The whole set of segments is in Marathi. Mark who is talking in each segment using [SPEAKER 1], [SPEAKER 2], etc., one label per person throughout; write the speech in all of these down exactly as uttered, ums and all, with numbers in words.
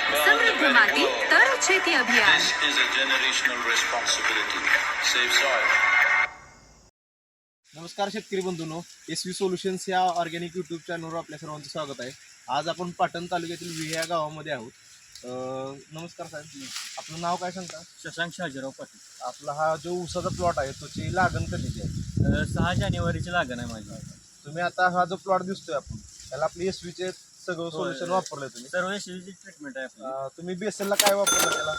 [SPEAKER 1] समृद्ध माती तर शेती अभियान.
[SPEAKER 2] This is a generational responsibility. Save soil.
[SPEAKER 3] नमस्कार शेतकरी बंधूंनो, एस व्ही सोल्युशन्स या ऑर्गॅनिक यूट्यूब चॅनलवर आपल्या सर्वांचं स्वागत आहे. आज आपण पाटण तालुक्यातील विहे या गावामध्ये आहोत. अं, नमस्कार साहेब, आपलं नाव काय सांगता?
[SPEAKER 4] शशांक शाजीराव पाटील.
[SPEAKER 3] आपला हा जो ऊसाचा प्लॉट आहे त्याची लागण कधीची आहे?
[SPEAKER 4] अ, सहा जानेवारीची लागण आहे माझी.
[SPEAKER 3] तुम्ही आता हा जो प्लॉट दिसतोय आपण त्याला आपली एस व्हीचे सगळं सोल्युशन वापरलंय तुम्ही.
[SPEAKER 4] सर्व यशस्वी ट्रीटमेंट आहे आपली.
[SPEAKER 3] अं, तुम्ही बेसलला काय वापरलं त्याला?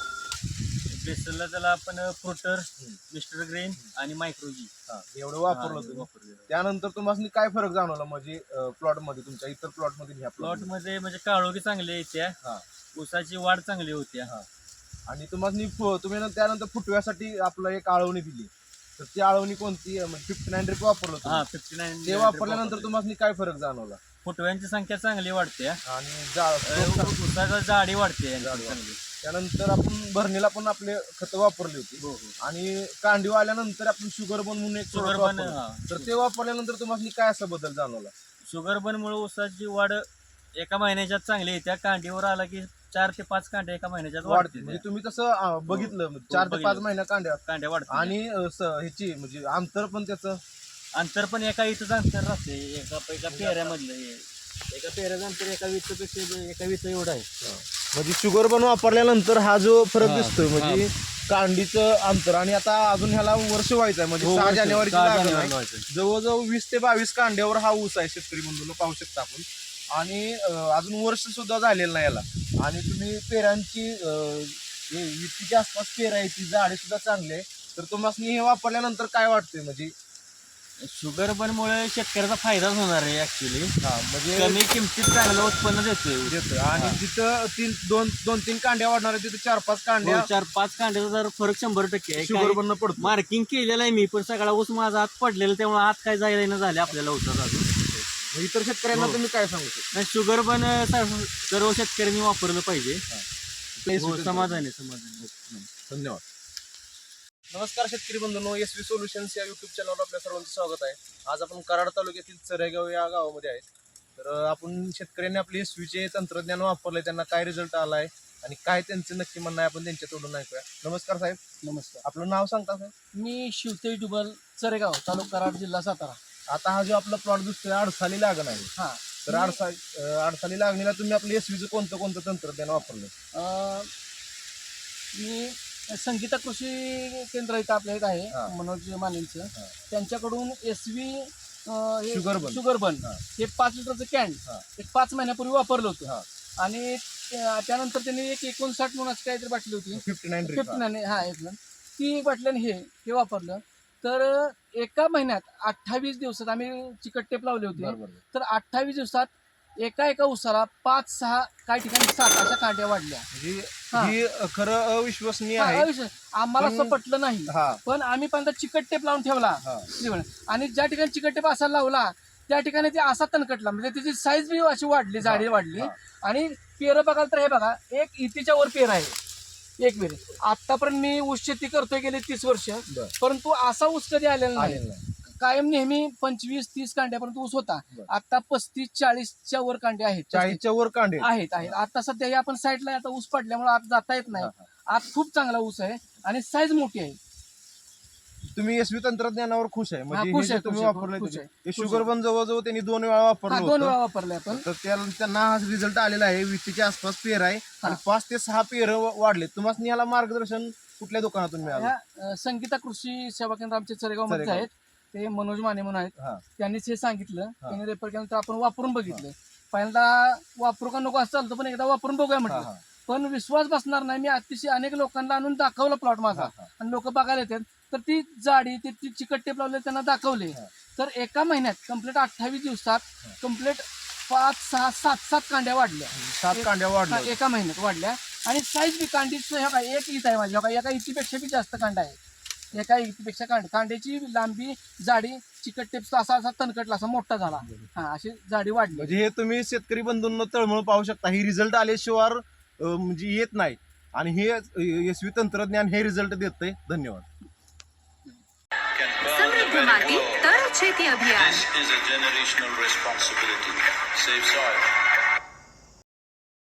[SPEAKER 4] बेसलला त्याला आपण फ्रुटर, मिस्टर ग्रेन आणि मायक्रोजी
[SPEAKER 3] हा, एवढं वापरलं तुम्ही.
[SPEAKER 4] वापरलेलं.
[SPEAKER 3] त्यानंतर तुम्हाला काय फरक जाणवला म्हणजे प्लॉट मध्ये तुमच्या इतर प्लॉट मध्ये ह्या
[SPEAKER 4] प्लॉट
[SPEAKER 3] प्लॉट
[SPEAKER 4] मध्ये म्हणजे काळोखी चांगली येत्या,
[SPEAKER 3] हा
[SPEAKER 4] ऊसाची वाढ चांगली होत्या.
[SPEAKER 3] हा. आणि तुम्हाला तुम्ही ना त्यानंतर फुटव्यासाठी आपलं एक आळवणी दिली, तर ती आळवणी कोणती फिफ्टी नाईन ड्रिप वापरलं
[SPEAKER 4] हा
[SPEAKER 3] तुम्ही.
[SPEAKER 4] फिफ्टी नाईन
[SPEAKER 3] ते वापरल्यानंतर तुम्हाला काय फरक जाणवला?
[SPEAKER 4] फुटव्यांची संख्या चांगली वाढते
[SPEAKER 3] आणि जा-
[SPEAKER 4] ऊसाचा जाडी वाढते यांची
[SPEAKER 3] जाडी
[SPEAKER 4] चांगली.
[SPEAKER 3] त्यानंतर आपण भरणीला पण आपले खतं वापरली होती.
[SPEAKER 4] हो हो
[SPEAKER 3] आणि कांडीव आल्यानंतर आपण शुगर बन म्हणून एक
[SPEAKER 4] शुगर
[SPEAKER 3] product
[SPEAKER 4] बन
[SPEAKER 3] वापरलं.
[SPEAKER 4] हा.
[SPEAKER 3] तर ते वापरल्यानंतर तुम्हाला काय असा बदल जाणवला?
[SPEAKER 4] शुगर बनमुळे ऊसाची वाढ एका महिन्याच्यात चांगली येत्या. कांडीवर आला की चार ते पाच कांड्या एका महिन्याच्यात
[SPEAKER 3] वाढते
[SPEAKER 4] वाढते.
[SPEAKER 3] म्हणजे तुम्ही तसं अं, बघितलं चार ते पाच
[SPEAKER 4] बघितलं.
[SPEAKER 3] महिन्या कांड्या
[SPEAKER 4] कांड्या वाढते
[SPEAKER 3] आणि अं, स- ह्याची म्हणजे अंतर पण त्याचं
[SPEAKER 4] अंतर पण एका इथंच अंतर राहते. एका एका पेऱ्यामधलं हे. एका पेऱ्याचं अंतर एका वित्तपेक्षा एका वित्त एवढं आहे.
[SPEAKER 3] म्हणजे शुगर बन वापरल्यानंतर हा जो फरक
[SPEAKER 4] हा,
[SPEAKER 3] दिसतोय म्हणजे कांडीचं अंतर. आणि आता अजून ह्याला वर्ष व्हायचं आहे म्हणजे
[SPEAKER 4] हो,
[SPEAKER 3] सहा
[SPEAKER 4] वर्ष.
[SPEAKER 3] जानेवारीची
[SPEAKER 4] सहा
[SPEAKER 3] लागण
[SPEAKER 4] जानेवारीला
[SPEAKER 3] आहे.
[SPEAKER 4] व्हायचं.
[SPEAKER 3] जवळजवळ वीस ते बावीस कांड्यावर हा ऊस आहे शेतकरी बंधूंनो, पाहू शकता आपण. आणि अं, अजून वर्ष सुद्धा झालेलं नाही याला. आणि तुम्ही पेरांची अं, हे वित्तीच्या आसपास पेरायची झाडे सुद्धा चांगली आहे. तर तुम्हाला हे वापरल्यानंतर काय वाटतंय म्हणजे?
[SPEAKER 4] शुगर बनमुळे शेतकऱ्याचा फायदाच होणार आहे ऍक्च्युली.
[SPEAKER 3] हा म्हणजे
[SPEAKER 4] कमी किमतीत चांगलं उत्पन्न देतोय.
[SPEAKER 3] देतोय. आणि जिथं तीन दोन दोन तीन कांड्या वाढणार आहे तिथे चार पाच कांड्या
[SPEAKER 4] हो, चार पाच कांड्याचा जर फरक शंभर टक्के आहे.
[SPEAKER 3] शुगर बन पडतो.
[SPEAKER 4] मार्किंग केलेलं आहे मी, पण सगळा ऊस माझा हात पडलेला, त्यामुळे हात काय जायला झाले आपल्याला ऊसाचा अजून.
[SPEAKER 3] मग इतर शेतकऱ्यांना
[SPEAKER 4] हो.
[SPEAKER 3] तुम्ही काय सांगू शकता?
[SPEAKER 4] नाही, शुगर बन सर्व सर्व शेतकऱ्यांनी वापरलं पाहिजे.
[SPEAKER 3] हो,
[SPEAKER 4] हो, समाधान आहे समाधान आहे.
[SPEAKER 3] धन्यवाद. नमस्कार शेतकरी बंधूंनो, एस व्ही सोल्युशन्स या युट्यूब चॅनलवर आपल्या सर्वांचं स्वागत आहे. आज आपण कराड तालुक्यातील चरेगाव या गावामध्ये आहे. तर अं, आपण शेतकऱ्यांनी आपले एस व्हीचे तंत्रज्ञान वापरले, त्यांना काय रिझल्ट आलाय आणि काय त्यांचं नक्की म्हणणं आहे आपण त्यांच्या तोडून ऐकूया. नमस्कार साहेब,
[SPEAKER 5] नमस्कार.
[SPEAKER 3] आपलं नाव सांगता साहेब?
[SPEAKER 5] मी शिवतेज डुबल चरेगाव, तालुका कराड, जिल्हा सातारा.
[SPEAKER 3] आता हा जो आपला प्लॉट दिसतोय अडसाली लागण आहे.
[SPEAKER 5] हा
[SPEAKER 3] तर अडसा अं, अडसाली लागणीला तुम्ही आपलं एस व्हीचं कोणतं कोणतं तंत्रज्ञान वापरलं?
[SPEAKER 5] अं, मी संगीता कृषी केंद्र इथं आपल्या इथं
[SPEAKER 3] हा.
[SPEAKER 5] आहे, मनोज मानेंचं.
[SPEAKER 3] हा.
[SPEAKER 5] त्यांच्याकडून S V
[SPEAKER 3] sugar bun.
[SPEAKER 5] Sugar bun
[SPEAKER 3] हा.
[SPEAKER 5] हे पाच लिटरचं कॅन
[SPEAKER 3] हा.
[SPEAKER 5] एक पाच महिन्यापूर्वी वापरलं
[SPEAKER 3] हा.
[SPEAKER 5] होतं. आणि त्या- त्यानंतर त्यांनी एक एकोणसाठ म्हणून काहीतरी बाटली होती,
[SPEAKER 3] फिफ्टी नाईन
[SPEAKER 5] फिफ्टी नाईन हा एक मिनिट. ती एक बाटली आणि हे हे वापरलं. तर एका महिन्यात अठ्ठावीस दिवसात आम्ही चिकट टेप लावले होते.
[SPEAKER 3] बरोबर.
[SPEAKER 5] तर अठ्ठावीस दिवसात एका एका उसाला पाच सहा काही ठिकाणी सात अशा कांड्या वाढल्या.
[SPEAKER 3] म्हणजे
[SPEAKER 5] हा.
[SPEAKER 3] ही खरं अविश्वसनीय
[SPEAKER 5] हा,
[SPEAKER 3] आहे.
[SPEAKER 5] अविश्वास. आम्हाला असं
[SPEAKER 3] पण-
[SPEAKER 5] पटलं नाही,
[SPEAKER 3] हा
[SPEAKER 5] पण आम्ही पहिल्यांदा चिकट टेप लावून ठेवला.
[SPEAKER 3] हा
[SPEAKER 5] आणि ज्या ठिकाणी चिकट टेप असा लावला त्या ठिकाणी ते असा तणकटला, म्हणजे त्याची साईज बी अशी वाढली, जाडी वाढली.
[SPEAKER 3] हा.
[SPEAKER 5] आणि पेरं बघाल तर हे बघा, एक इतीच्या वर पेर आहे एक पेर. आतापर्यंत मी ऊस शेती करतोय गेले तीस वर्ष,
[SPEAKER 3] बर.
[SPEAKER 5] परंतु असा ऊस कधी आलेला
[SPEAKER 3] आलेलं
[SPEAKER 5] नाही.
[SPEAKER 3] नाही.
[SPEAKER 5] कायम नेहमी पंचवीस तीस कांड्यापर्यंत ऊस होता.
[SPEAKER 3] बर.
[SPEAKER 5] आता पस्तीस चाळीसच्या वर कांडे आहेत
[SPEAKER 3] चाळीसच्या वर कांडे
[SPEAKER 5] आहेत आहेत आता सध्या हे आपण साईडला आता ऊस पडल्यामुळे आत जाता येत नाही.
[SPEAKER 3] हा,
[SPEAKER 5] आत खूप चांगला ऊस आहे आणि साईज मोठी आहे.
[SPEAKER 3] तुम्ही एसवी तंत्रज्ञानावर खुश आहे?
[SPEAKER 5] हा,
[SPEAKER 3] म्हणजे
[SPEAKER 5] खुश
[SPEAKER 3] हे जे
[SPEAKER 5] आहे,
[SPEAKER 3] तुम्ही
[SPEAKER 5] खुश आहे,
[SPEAKER 3] वापरलंय
[SPEAKER 5] खुश
[SPEAKER 3] ते-
[SPEAKER 5] आहे,
[SPEAKER 3] हे
[SPEAKER 5] खुश
[SPEAKER 3] शुगर
[SPEAKER 5] आहे.
[SPEAKER 3] बन जवळजवळ त्यांनी दोन वेळा
[SPEAKER 5] हा,
[SPEAKER 3] वापरलं
[SPEAKER 5] दोन वेळा
[SPEAKER 3] होतं.
[SPEAKER 5] वापरले आपण.
[SPEAKER 3] तर त्या- त्यांना हा रिझल्ट आलेला आहे. वीसच्या आसपास पेर आहे आणि
[SPEAKER 5] हा.
[SPEAKER 3] पाच ते सहा पेर वाढले. तुम्हाला ह्याला मार्गदर्शन कुठल्या दुकानातून मिळालं?
[SPEAKER 5] ह्या अ, संगीता कृषी सेवा केंद्र आमचे चरेगाव मध्ये
[SPEAKER 3] चरेगाव.
[SPEAKER 5] आहेत. ते मनोज माने म्हणून आहेत.
[SPEAKER 3] हा
[SPEAKER 5] त्यांनीच हे सांगितलं. त्यांनी रेफर केल्यानंतर आपण वापरून बघितलं. पहिल्यांदा वापरू का नको असं चालतं, पण एकदा वापरून बघूया
[SPEAKER 3] हा,
[SPEAKER 5] म्हटलं.
[SPEAKER 3] हा.
[SPEAKER 5] पण विश्वास बसणार नाही. मी अतिशय अनेक लोकांना आणून दाखवला प्लॉट माझा,
[SPEAKER 3] हा, हा.
[SPEAKER 5] आणि लोक बघायला येतात. तर ती जाडी ती ती चिकट टेप लावले त्यांना दाखवले.
[SPEAKER 3] हा.
[SPEAKER 5] तर एका महिन्यात कम्प्लीट अठ्ठावीस दिवसात कम्प्लीट पाच सहा सात सात कांड्या वाढल्या.
[SPEAKER 3] सात कांड्या
[SPEAKER 5] हा,
[SPEAKER 3] वाढल्या.
[SPEAKER 5] एका महिन्यात वाढल्या. आणि साईज बी कांडीचं ह्या काय एक ईत आहे माझी, ह्या काय एका इतीपेक्षा बी जास्त कांडा आहे. एका इतीपेक्षा कांड कांड्याची लांबी जाडी चिकट टेप असा असा तणकटला, असा मोठा झाला. हा, अशी जाडी वाढली.
[SPEAKER 3] म्हणजे हे तुम्ही शेतकरी बंधूंना तळमळ पाहू शकता. ही रिझल्ट आल्याशिवाय अं, म्हणजे येत नाही. आणि हे एसवी तंत्रज्ञान हे रिझल्ट देतंय. धन्यवाद.
[SPEAKER 2] Can burn the
[SPEAKER 1] समृद्ध
[SPEAKER 2] very
[SPEAKER 1] माती
[SPEAKER 2] world.
[SPEAKER 1] तर शेती अभियान.
[SPEAKER 2] This is a generational responsibility. Save soil.